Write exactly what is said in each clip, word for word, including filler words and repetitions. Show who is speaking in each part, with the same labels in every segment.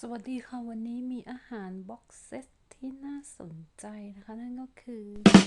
Speaker 1: สวัสดีค่ะวันนี้มีอาหารบ็อกเซตที่น่าสนใจนะคะนั่นก็คือ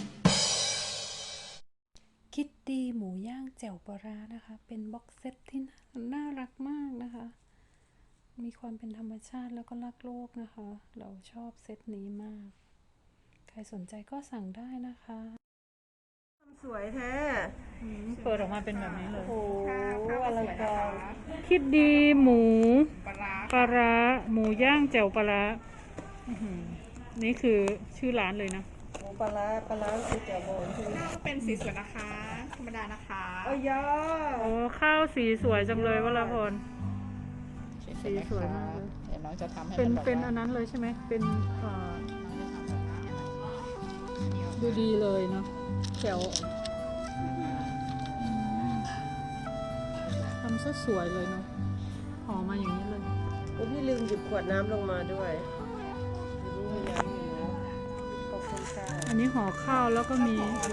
Speaker 1: คิตตี้หมูย่างแจ่วปลาร้านะคะเป็นบ็อกเซตที่น่ารักมากนะคะมีความเป็นธรรมชาติแล้วก็รักโลกนะคะเราชอบเซตนี้มากใครสนใจก็สั่งได้นะคะ
Speaker 2: สวยแท้
Speaker 1: เปิดออกมาเป็นแบบนี้เลย
Speaker 2: โอ้อะไรกัน
Speaker 1: คิดดีหมูปลาร้าหมูย่างแจ่วปลาร้านี่คือชื่อร้านเลยนะ
Speaker 2: หมูปลาร้าปลาร้าสีเขียวโบนคือ
Speaker 3: ก็เป็นสีสวยนะคะธรรมดานะคะ
Speaker 2: โอ้ยอ
Speaker 1: โอ้ข้าวสีสวยจังเลยวราพรสีสวยมากเลย
Speaker 3: เดี๋ยวน้องจะทำให้
Speaker 1: เป็น
Speaker 3: มัน
Speaker 1: เป็นอันนั้นเลยใช่ไหมเป็นเอ่อดูดีเลยเนาะแถวทำซะสวยเลยเนาะห่อมาอย่างนี้เลย
Speaker 2: โอ้พี่ลืมหยิบขวดน้ำลงมาด้วยขอบคุณค่ะ
Speaker 1: อันนี้ห่อข้าวแล้วก็มี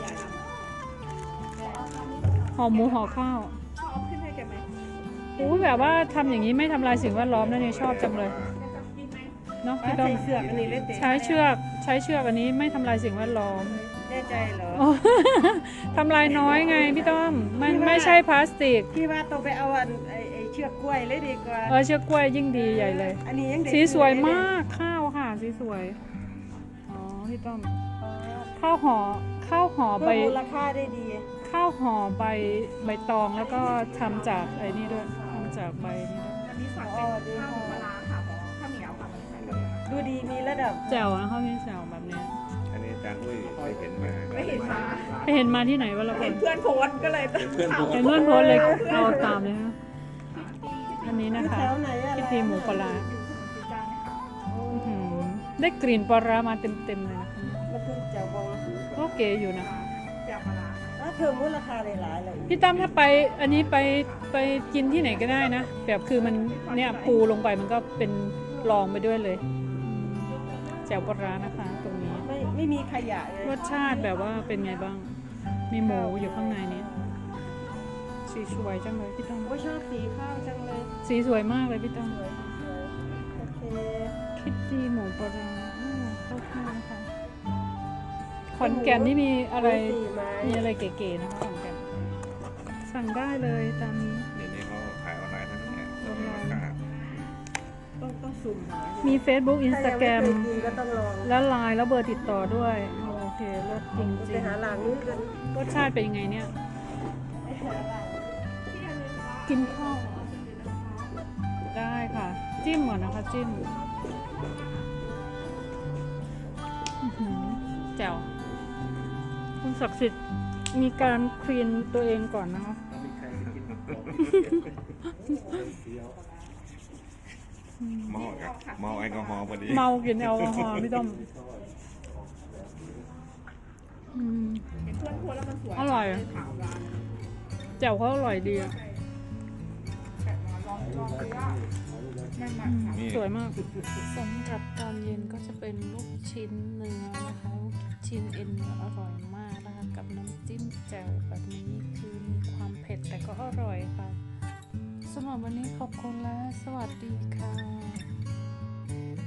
Speaker 1: ห่อหมูห่อข้าว
Speaker 3: ชอบขึ้นให้แกไหม
Speaker 1: โอ้แบบว่าทำอย่างนี้ไม่ทำลายสิ่งแวดล้อมนะเนี่ยชอบจังเลยเนาะพี่ต้อม
Speaker 2: เสือกอันนี้เล่น
Speaker 1: ใช้เชือกใช้เชือกอันนี้ไม่ทำลายสิ่งแวดล้อม
Speaker 2: แน่ใจเหรอ
Speaker 1: ทำลายน้อยไงพี่ต้อมมันไม่ใช่พลาสติก
Speaker 2: พี่ว่าต้องไปเอาอันไอเชือกกล้วยเลยดีกว่า
Speaker 1: เออเชือกกล้วยยิ่งดีใหญ่เลย
Speaker 2: อันนี้ยัง
Speaker 1: สีสวยมากข้าวค่ะสีสวยอ๋อพี่ต้อมข้าวห่อข้าวห่อใบ
Speaker 2: มูลค่าได้ดี
Speaker 1: ข้าวห่อใบใบตองแล้วก็ทำจากไอ้นี่ด้วยทำจากใบนี่ด้วย
Speaker 3: อันนี้สั่งเป็นข้าวปลาค่ะข้าวเหนียวค่ะไม่ใช่เลย
Speaker 2: ดูดีมีระดับ
Speaker 1: แจ่วนะเขามีแจ่วแบบนี้
Speaker 4: อันนี้อาจารย์อุ้ยไปเห็นมา
Speaker 3: ไม่เห็นมา
Speaker 1: ไปเห็นมาที่ไหนวะเรา
Speaker 3: เห็นเพื่อนโพสก็เลย
Speaker 4: เพื่อน
Speaker 1: เห็นเพื่อนโพสเลยเอาตามเลยฮะอันนี้นะคะคิดดีหมูปลาได้กลิ่นปลามาเต็มๆเลยนะคะ
Speaker 2: มันคือแจ่วบอง
Speaker 1: ก็เก๋อยู่นะ
Speaker 3: แจ่วปลา
Speaker 2: เพิ่มมูลค่าหลายๆเลย
Speaker 1: พี่ตั้มถ้าไปอันนี้ไปไปกินที่ไหนก็ได้นะแบบคือมันเนี่ยปูลงไปมันก็เป็นรองไปด้วยเลยแจ่วปลานะคะตรงนี้
Speaker 2: ไม่ไม่มีขยะ
Speaker 1: รสชาติแบบว่าเป็นไงบ้างมีหมูอยู่ข้างในนี้สีสวยจังเลยพี่ตั้ม
Speaker 2: ก็ชอบสีข้าวจังเลย
Speaker 1: สีสวยมากเลยพี่ตั้ม
Speaker 2: โอเค
Speaker 1: คิดดีหมูปลาเข้าข้าวนะคะขอนแก่นนี่มีอะไรมีอะไรเก๋ๆนะคะขอนแก่นสั่งได้เลยตามนี้
Speaker 4: เดี๋ยวนี้เขาขายออนไลน์ทั้งนั้น
Speaker 1: ออนไลน์
Speaker 2: ต้องต้องสุ่มหา
Speaker 1: มี Facebook Instagram
Speaker 2: ก็ต้องลอง
Speaker 1: แล้วไลน์แล้วเบอร์ติดต่อด้วยโอเครสจริงจริ
Speaker 2: งไปหาหลังนี้กัน
Speaker 1: รสชาติเป็นยังไงเนี่ยกินข้าวได้ค่ะจิ้มก่อนนะคะจิ้มแจ่วคุณศักดิ์สิทธิ์มีการคลีนตัวเองก่อนนะคะ
Speaker 4: เมากับเมาแอลกอฮอล์พอดี
Speaker 1: เมากินแอลกอฮอล์พี่ต้อมอร่อยแจ่วเขาอร่อยดีอ่ะสวยมากสำหรับตอนเย็นก็จะเป็นลูกชิ้นเนื้อนะคะลูกชิ้นเอ็นเนื้ออร่อยมากนะคะกับน้ำจิ้มแจ่วแบบนี้คือมีความเผ็ดแต่ก็อร่อยค่ะสำหรับวันนี้ขอบคุณและสวัสดีค่ะ